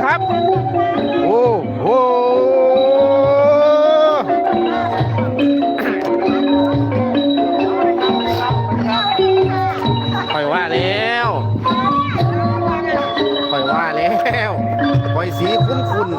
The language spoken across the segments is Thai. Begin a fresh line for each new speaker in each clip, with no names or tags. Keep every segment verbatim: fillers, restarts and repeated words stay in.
ครับโอ้โหคอยว่าแล้วคอยว่าแล้วคอยสีคุ้นคุ้น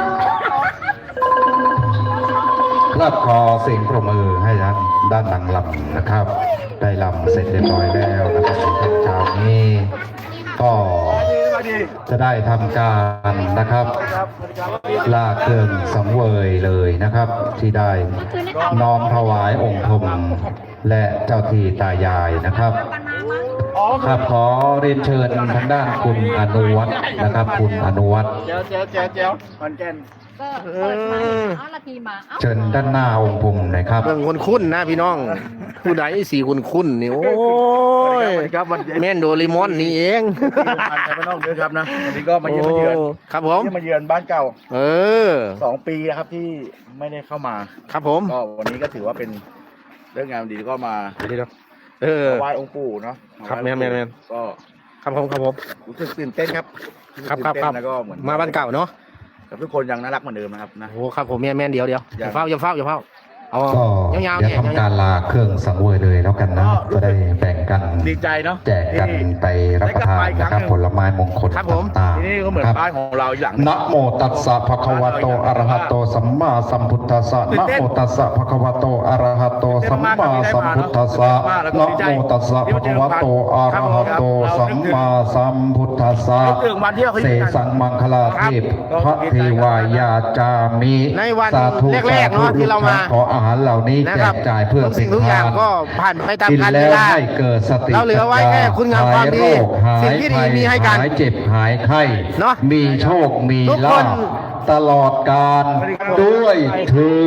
รับคอเสียงปรบมือให้ด้านด้านหลังลำนะครับได้ลำเสร็จเรียบร้อยแล้วนะครับในช่วงเช้านี้ก็จะได้ทำการนะครับลาเครื่องสังเวยเลยนะครับที่ได้น้อมถวายองค์พรหมและเจ้าที่ตายายนะครับครับขอเรียนเชิญทางด้านคุณอนุวัฒน์นะครับคุณอนุวัฒน์
เจ้าเจ้าเจ้าเจ้ามันแก่น
ก็เปิดมาเอาละทีมา
เชิญด้านหน้าองค์พรหมหน่อยครับ
เรื่องคุ้นคุ้นนะพี่น้องผู้ใดสีคุ้นคุ้นนี่โอ้ยแม่นโดริมอนนี่เอง
มันจะไม่ต้องเยอะครับนะวันนี้ก็มาเยือนมาเยือน
ครับผม
มาเยือนบ้านเก่า
เออ
สองปีนะครับที่ไม่ได้เข้ามา
ครับผม
ก็วันนี้ก็ถือว่าเป็นเรื่องงานดีก็มา
เออ
ไหว้องค์ปู่เนาะ
ครับแม่แม่แม่
ก็
ครับผมครับผม
รู้สึกตื่นเต้นครับ
ครับครับครับ
แล้วก็เหมือน
มาบ้านเก่าเนาะ
กับทุกคนยังน่ารักเหมือนเดิมนะครับนะ
โอ้ครับผมแม่แม่เดียวเดียวอย่าเฝ้าอย่าเฝ้าอย่าเฝ้าเอา
ยาวๆเนี่ยทำการลาเครื่องสังเวยเลยแล้วกันนะจะได้แบ่งกัน
ดีใจเนาะ
แจกกันไปรับประทานนะครับผลไม้มงคลต่าง
ๆนี่ก็เหมือนบ้านของเราอย่าง
นะโมตัสสะภะคะวะโตอะระหะโตสัมมาสัมพุทธัสสะนะโมตัสสะภะคะวะโตอะระหะโตสัมมาสัมพุทธัสสะนะโมตัสสะภะคะวะโตอะระหะโตสัมมาสัมพุทธัสสะเสสังมังคลาเทพพระเทวายาจามิ
สาธุแรกๆเนาะที่เรามา
ขออาหารเหล่านี้แจกจ่ายเพื่อ
สิ่งทุกอย่างก็ผ่านไปตามกาลเวลาเราเหลือไว้แค่คุณงามความดีสิ่งที่ดีมีให้กัน
หายเจ็บหายไข้
เนาะ
มีโชคมีลาภตลอดกาลด้วยเถิ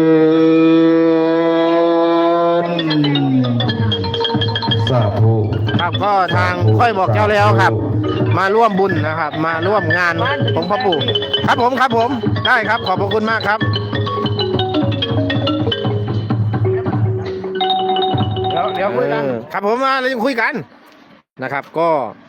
ดสาธุ
ครับก็ทางค่อยบอกเจ้าแล้วครับมาร่วมบุญนะครับมาร่วมงานของพ่อปู่ครับผมครับผมได้ครับขอบพระคุณมากครับเดี๋ยวคุยกันครับผมมาเราจะคุยกันนะครับก็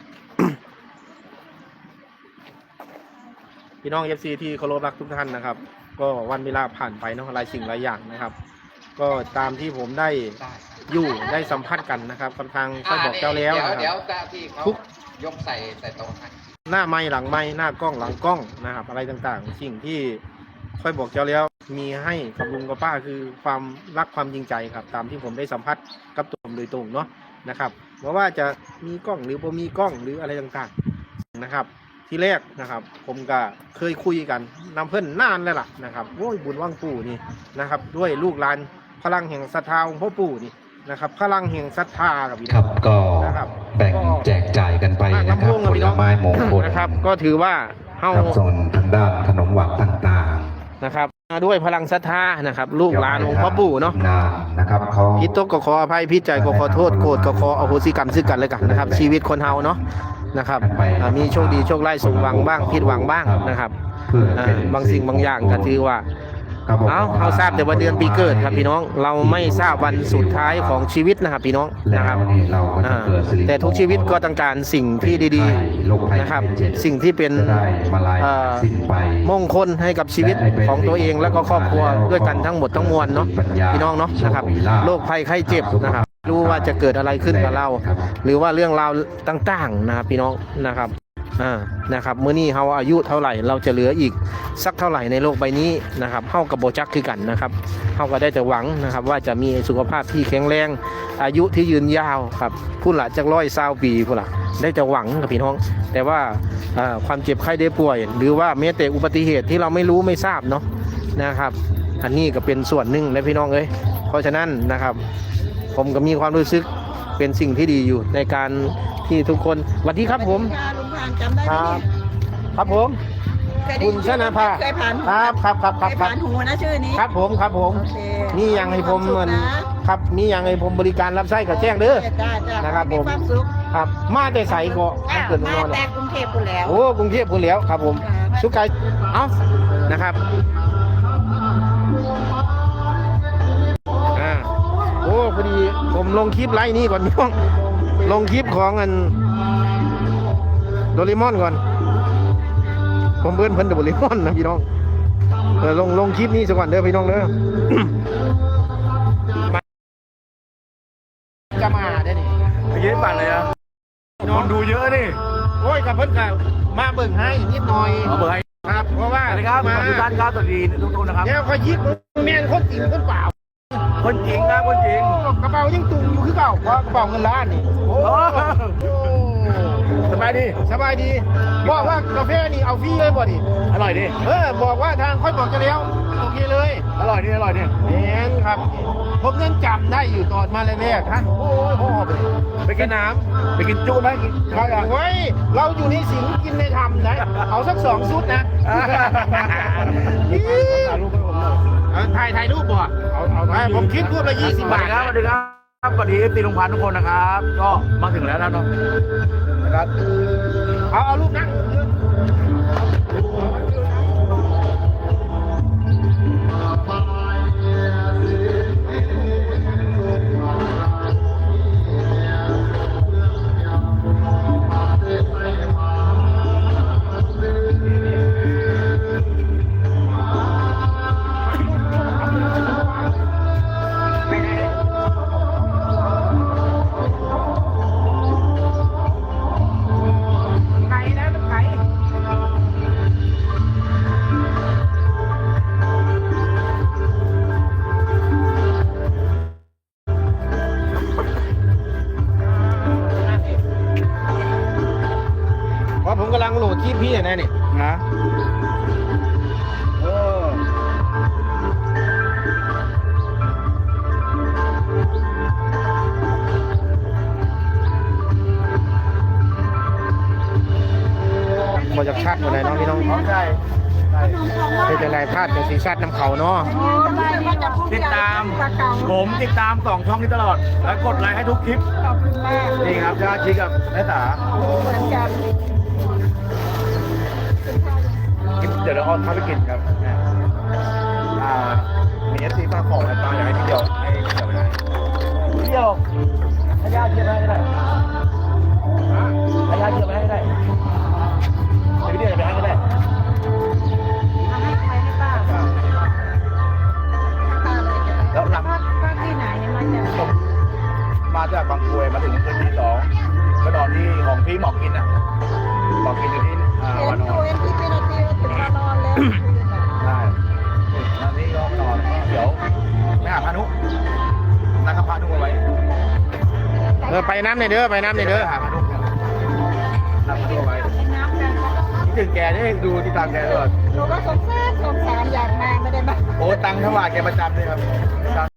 พี่น้องเอฟซีที่เคารพรักทุกท่านนะครับก็วันเวลาผ่านไปเนาะหลายสิ่งหลายอย่างนะครับก็ตามที่ผมได้อยู่ได้สัมผัสกันนะครับกำลังค่อยบอกเจ้าแล้วนะครับทุก
ยกใส่ใส่โต๊ะ
หน้าไม้หลังไม้หน้ากล้องหลังกล้องนะครับอะไรต่างๆสิ่งที่ค่อยบอกเจ้าแล้วมีให้กับลุงกับป้าคือความรักความจริงใจครับตามที่ผมได้สัมผัสกับตัวผมโดยตรงเนาะนะครับเพราะว่าจะมีกล้องหรือบ่มีกล้องหรืออะไรต่างๆนะครับที่แรกนะครับผมก็เคยคุยกันนำเพื่อนนานแล้วล่ะนะครับโอ้ยบุญว่างปู่นี่นะครับด้วยลูกหลานพลังแห่งศรัทธาของพ่อปู่นี่นะครับพลังแห่งศรัทธากับพี่
ครับก็แบ่งแจกจ่ายกันไปนะครับผลไม้มงคล
นะครับก็ถือว่าเฮา
ส่วนทางด้านขนมหวานต่าง
ๆนะครับด้วยพลังศรัทธานะครับลูกหลานของพ่อปู่เนาะ
นะครับเขา
พิจตกก็ขออภัยพิจัยก็ขอโทษโกรธก็ขออโหสิกรรมซึ่งกันและกันนะครับชีวิตคนเฮาเนาะนะครับมีโชคดีโชคร้ายสมหวังบ้างผิดหวังบ้างนะครับบางสิ่งบางอย่างก็ถือว่าเอาเขาทราบแต่ว่าเดือนปีเกิดครับพี่น้องเราไม่ทราบวันสุดท้ายของชีวิตนะครับพี่น้องนะครับแต่ทุกชีวิตก็ต้องการสิ่งที่ดีๆนะครับสิ่งที่เป็นมงคลให้กับชีวิตของตัวเองและก็ครอบครัวด้วยกันทั้งหมดทั้งมวลเนาะพี่น้องเนาะนะครับโรคภัยไข้เจ็บนะครับรู้ว่าจะเกิดอะไรขึ้นกับเราหรือว่าเรื่องราวต่างๆนะครับพี่น้องนะครับอ่านะครับเมื่อนี้เราอายุเท่าไหร่เราจะเหลืออีกสักเท่าไหร่ในโลกใบนี้นะครับเฮากับโบจักคือกันนะครับเฮาก็ได้แต่หวังนะครับว่าจะมีสุขภาพที่แข็งแรงอายุที่ยืนยาวครับผู้หละจากร้อยสาวปีผู้หละได้แต่หวังกับพี่น้องแต่ว่าความเจ็บไข้ได้ป่วยหรือว่าแม้แต่อุบัติเหตุที่เราไม่รู้ไม่ทราบเนาะนะครับอันนี้ก็เป็นส่วนหนึ่งนะพี่น้องเอ้ยเพราะฉะนั้นนะครับผมก็มีความรู้สึกเป็นสิ่งที่ดีอยู่ในการที่ทุกคนสวัสดีครับผมครับครับผมคุณชนะภาครับครับครับครับ
ผ่านหูนะชื่อนี้
ครับผมครับผมนี่ยังให้ผมเหมือนครับนี่ยังให้ผมบริการรับใช้กับแจ้งเด้อนะครับผมครับมาแต่ใส่ก็เกิดนอน
แต่กรุงเทพพูดแล้ว
โอ้กรุงเทพพูดแล้วครับผมสุกายเอ้านะครับอ่าโอ้พอดีผมลงคลิปไลน์นี้ก่อนพี่น้องลงคลิปของอันโดเรมอนก่อนผมเบิ้นเพิ่นโดเรมอนนะพี่น้องเออลงลงคลิปนี้สักวันเด้อพี่น้องเด้อ จะมาได้นี่
ไปยืนปั่นเลยอะคนดูเยอะนี่
โอ้ยกับเพิ่นก็มาเบิ่งให้นิดหน่อย
เอาเบอร์ให้
ครับเพราะว่า
สวัสดีครับ
มา
ทุกท่านครับสวัสดีทุกคนนะครับ
เนี่ยคอยยิบแม่นคนจริงคนเปล่า
คนจริงนะคนจริง
กระเป๋ายังตุงอยู่คือเก่าเพราะกระเป๋าเงินล้านนี่โอ้
โอ้
โอ้
สบายดี
สบายดีบอกว่ากาแฟนี่เอาฟรีเลยบ่ดิ
อร่อยดี
เออบอกว่าทางค่อยบอกจะแล้วโอเคเลย
อร่อยดีอร่อยดี
แม่นครับผมยังจำได้อยู่ตอนมาแรกๆฮะโอ้ยโหไปเลยไปกินน้ำ
ไปกินจุไหมกินข้าวยัง
เฮ้ยเราอยู่ในสิงกินในธรรมนะเอาสักสองชุดนะ
ถ่ายรูปให้ผมหน่อย
เอาถ่ายถ่ายรูปบ่เอาเอาไปผมคิดรูปละยี่สิบบาท
สวัสดีครับสวัสดีครับสวัสดีเอฟซีลุงพันธุ์ทุกคนนะครับ ก็มาถึงแล้วนะเนาะนะครับ
เอาเอารูปนั่ง ไก่นะมันไก่เพราะผมกำลังโหลดคลิปพี่นะนี่
นะเออ
มาจากชาติหมดเลยเนาะพี่น้อง
ใช่
เป็นจังไรพลาดจากสีชาติน้ำเขาเนาะ
ติดตาม ผมติดตามสองช่องนี้ตลอด และกดไลค์ให้ทุกคลิป
ขอบคุณมาก
นี่ครับยาชีกับแม่สา
เหมือนกัน
คลิปเดี๋ยวเราเอาเข้าไปกินครับอ่ามีเอฟซีฝากของอะไรบ้างอยากให้พี่เดียวให้พี่เดียวไปไหนพี่เดียวให้ยาเชียร์ไปให้ได้ให้ยาเชียร์ไปให้ได้ให้พี่เดียวไปให้ก็ได้
เอาให้ใครให้ป้าป้าเลยจะไป
แล้วหลัง
ป้าป้าที่ไหนมาจาก
ผมมาจากบางกรวยมาถึงคืนที่สองก็นอนที่ของพี่หมอกกินอ่ะหมอกกินอยู่ที่อ่า
เห็
วาน น
ดู
อน
เห็นที่เป็นนาทีถึงมานอนแล้ว
ใช่แล้วนี่ก็นอนเดี๋ยวไปหาพานุนัดกับพานุเอาไว้
เออไปน้ำในอยเด้อไปน้ำในอยเด้อ
หาพานุนัดพานุเอาไว้
น้ำกันแล้วก็
คิดถึงแกนี่ดูที่ตามแกตลอด
หนูก็สงสารสงสารอยากมาไม่ได้มา
โอ้ตังค์ถวายแกประจำเลยครับตังค์